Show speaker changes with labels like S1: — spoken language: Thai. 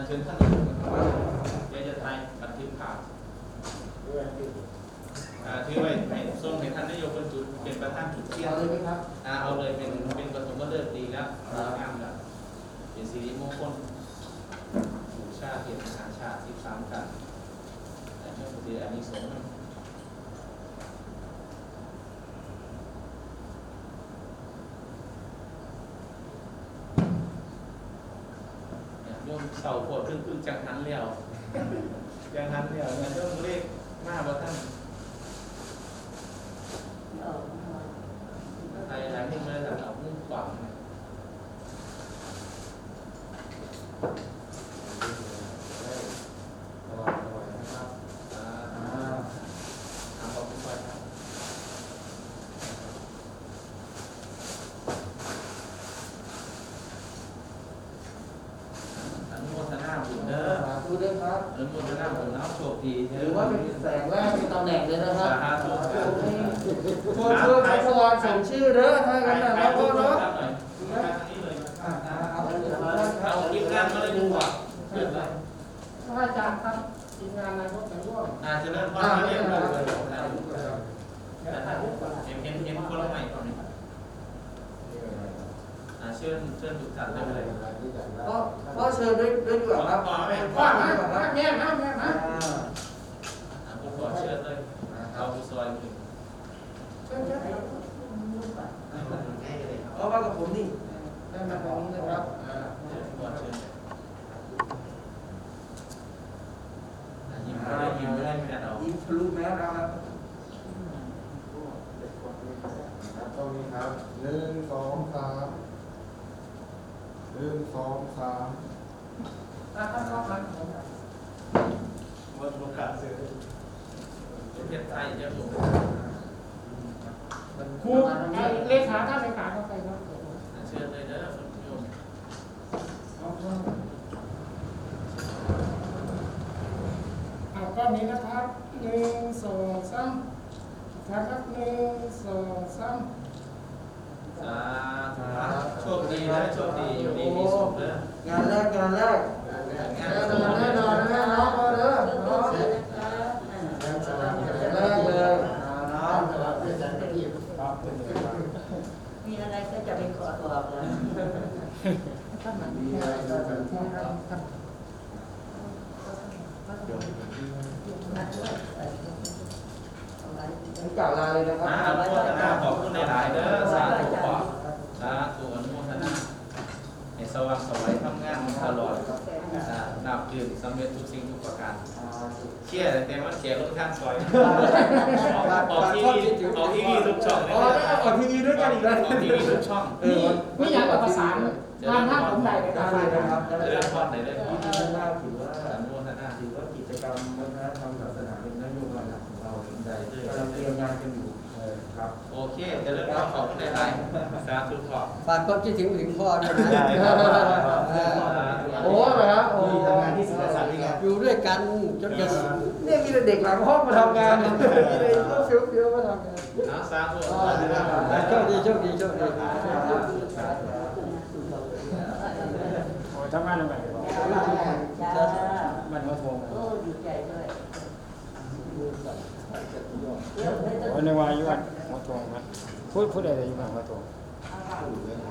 S1: เชิญท่านอื่นเดี๋ยวจะถ่ายบันทึกภาพถือไว้ให้ส่งให้ท่านนายกเป็นจุดเป็นประธานจุดเทียน
S2: เอาเลยไหมครับ
S1: เอาเลยเป็นปฐมฤกษ์ดีแล้วงามแล้วเป็นสิริมงคลบูชาเทียนมหาชาติ13กันแต่เมื่อปีอันนี้สงฆ์โยมเสาโพดขึ้นจังหันเลี้ยวจังหันเลี้ยวเนี่ยโยมเลขมาบ่ท่านไทยหลายที่มาจากเอามุ่งฝังขอบคุณครับอนุโมทนาบุญเด้อ
S2: สาธุด้วยครับ
S1: อนุโมทนาบุญแล้วโชคดี
S2: หรือว่าเป็นแสงแรกเป็นตำแหน่งเลยนะครับ
S1: สาธุ
S2: ตัวเชื่อชัชวานส่งชื่อเด้อถ้ากันนะแล้วก็เนาะ
S1: เอาทีมงานมาเลยดีกว่าเปิดเลย
S2: พระอาจารย์ครับทีมงานนายกแต่ร่วม
S1: จะเริ่มว่าเรียกเลยเห็นคนละใหม่ก่อนนี่เชิญทุกท่านได้เลย
S2: ก็เชิญด้วยดีกว่าครับ
S1: พ่อแม่
S2: พ่อนะแม่นะแม่นะ
S1: ผมขอเชิญเลยเอาผู้ซอยถึง
S2: เอามากับผมนี่ได้มาตรงนี้นะครับ
S1: ขอเชิญยิ้มไม่ได้ไม่ได้เอา
S2: ยิ้มทะลุแมสแล้วครับ
S3: ตรงนี้ครับ1 2 3 1 2 3
S2: ท่านก็มา
S1: วันโอกาสเสือประเทศไทยจะถูก
S2: ครูเลขาท่านเลขาเข้าไปครับ
S1: เชิญเลยนะคุณโยม
S2: เอาก้อนนี้นะครับ1 2 3ครับ1 2 3
S1: สาธุโชคดีนะโชคดีอยู่ดีมีสุขนะ
S2: งานแรกแน่นอนแน่นอนนะน้องก็เด้อน้องแรกเลยน้อง
S4: มีอะไรก็จะไปขอตัวเลย
S2: มีอะไรจะเสริมที่ครับ ผมกล่าวลาเลยนะครับ
S1: อนุโมทนาขอบคุณหลายๆเด้อสาธุขอสาธุอนุโมทนาให้สว่างสวัยทำงานตลอดนับดื่มสำเร็จทุกสิ่งทุกประการเชี่ยแต่ว่าเชี่ยรถข้างซอยออกทีวีทุกช่องเลย
S2: ออกทีวีด้วยกันอีกแล้ว
S1: ออกทีวีทุกช่อง
S2: ไม่อยากประสานงานท่านผมใดเลยนะครับ
S1: เริ่มพอดเลยเลย
S2: ที่นี่น่าถือว่า
S1: อนุโมทนา
S2: ถือว่ากิจกรรมวัฒนธรรมศาสนาเป็นนโยบายหลักของเรา
S1: ได้ด้วย
S2: กำลังเตรียมงานกันอยู่ครับ
S1: โอเคจะเริ่มขอบคุณหลายๆสาธุขอบ
S5: ฝากความคิดถึงพ่อด้วยนะ
S2: โอ้เหรอครับโอ้
S3: ทำงานที่ศิลปศาสตร์นี่ไง
S5: อยู่ด้วยกันจนเกษียณ
S2: เนี่ยมีแต่เด็กหลังห้องมาทำงานมีแต่พวกเฟี้ยวๆมาทำงาน
S1: นะสาธุ
S5: โชคดีโชคดีโชคดี
S6: ทำงานยังไง
S4: จ้า
S6: มันมาทวง
S4: โอ้ดีใจด้วย
S6: วันในวายุวันมาทวงนะพูดอะไรอยู่บ้างมาทวง